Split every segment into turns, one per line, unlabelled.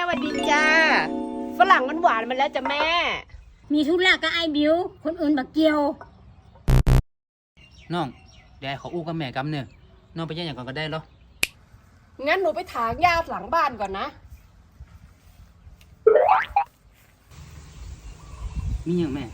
วัสดีจ้าฝรั่งมันหวานมาแล้วจ้ะแม่
มีธุระกับไอ้บิวคนอื่นบักเกี่ยว
น้องเดี๋ยวขออู้กับแม่กำเนื้อน้องไปแย่งอย่างก่อนก็ได้เหรอ
งั้นหนูไปถางหญ้าหลังบ้านก่อนนะ
มีอย่างแม่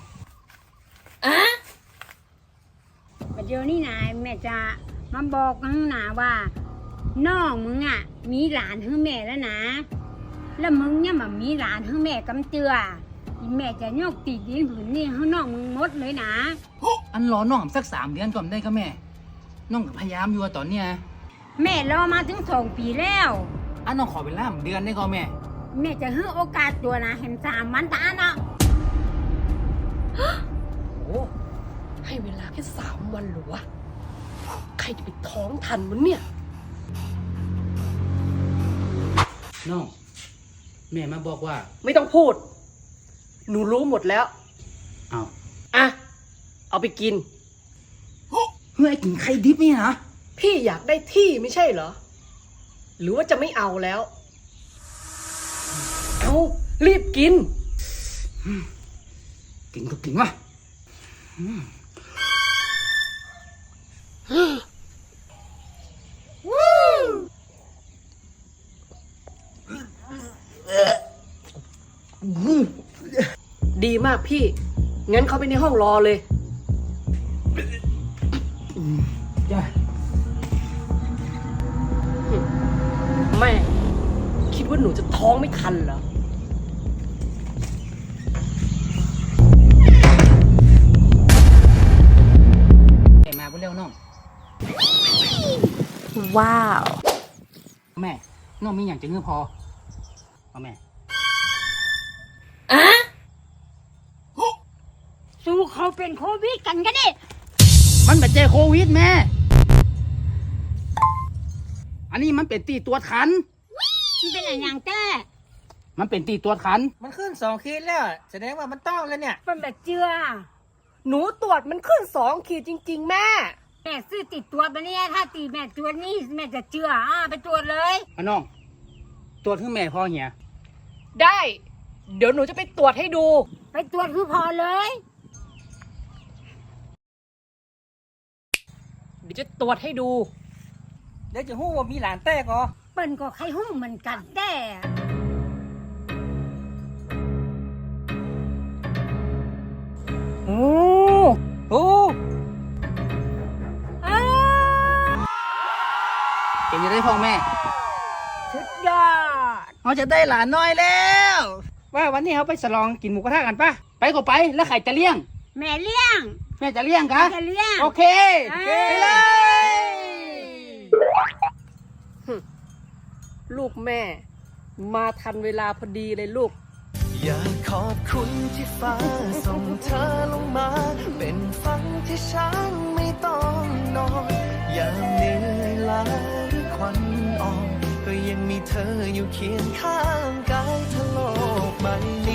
เดี๋ยวนี้นายแม่จะมาบอกข้างหน้าว่าน้องมึงอ่ะมีหลานทั้งแม่แล้วนะแล้วมึงเนี่ยมันมีหลานทั้งแม่กำเจือแม่จะยกติดดินผืนนี่ให้น้องมึงหมดเลยนะ
อันรอน้องสัก3 เดือนก่อนได้ก็แม่น้องพยายามอยู่ตอนเนี้ย
แม่รอมาถึง2 ปีแล้ว
อันน้องขอเวลา1 เดือนได้ก็แม่
แม่จะให้โอกาสตัวนะเห็น3 วันตาเนาะ
โอ้ให้เวลาแค่3 วันหรอวะใครจะไปท้องทันมันเนี่ย
น้องแม่มาบอกว่า
ไม่ต้องพูดหนูรู้หมดแล้วเอาไปกิน
เฮ้ยกินไข่ดิบนี่นะ
พี่อยากได้ที่ไม่ใช่เหรอหรือว่าจะไม่เอาแล้วเอารีบกิน
กินก็กินวะ
ดีมากพี่งั้นเขาไปในห้องรอเลย
จ้า
แม่คิดว่าหนูจะท้องไม่ทันเหรอ
มาเร็วน้อง
ว้าว
แม่น้องมีอย่างจะเงื่อพอเอาแม่
สู้เขาเป็นโควิดกันดิ
มันเป็นเจโควิดแม่อันนี้มันเป็นตีตัวขัน
มันเป็นอะไรอย่างแต้
มันเป็นตีตัวขัน
มันขึ้น2 ขีดแล้วแสดงว่ามันต้องแล้วเนี่ย
เป็นแบบเจือ
หนูตรวจมันขึ้น2 ขีดจริงๆแม่
ซื้อติดตัวมาเนี่ยถ้าตีแม่ตัวนี้แม่จะเจือไปตรวจเลย
น้องตรวจคือแม่พ่อเหี้ย
ได้เดี๋ยวหนูจะไปตรวจให้ดู
ไปตรวจคือพอเลย
เดี๋ยวจะตรวจให้ดู
เดี๋ยวจะหู้ว่ามีหลานแต้ก็
เปิ้นก็ใครหู้เหมือนกันแต่
โอ้
เก่งจะได้พ่อแม่
สุดยอด
เขาจะได้หลานน้อยแล้วว่าวันนี้เขาไปฉลองกินหมูกระทะกันปะไปก็ไปแล้วใครจะเลี้ยง
แม่เลี้ยง
แม่จะเลี้ยงกะ
จะเลี้ยง
โอเคไปเลย
ลูกแม่มาทันเวลาพอดีเลยลูก
อยากขอบคุณที่ฟ้าส่งเธอลงมาเป็นฝันที่ฉันไม่ต้องนอนยามเหนื่อยล้าหรือควันอ่อนก็ยังมีเธออยู่เคียงข้างกายทะโลกใบ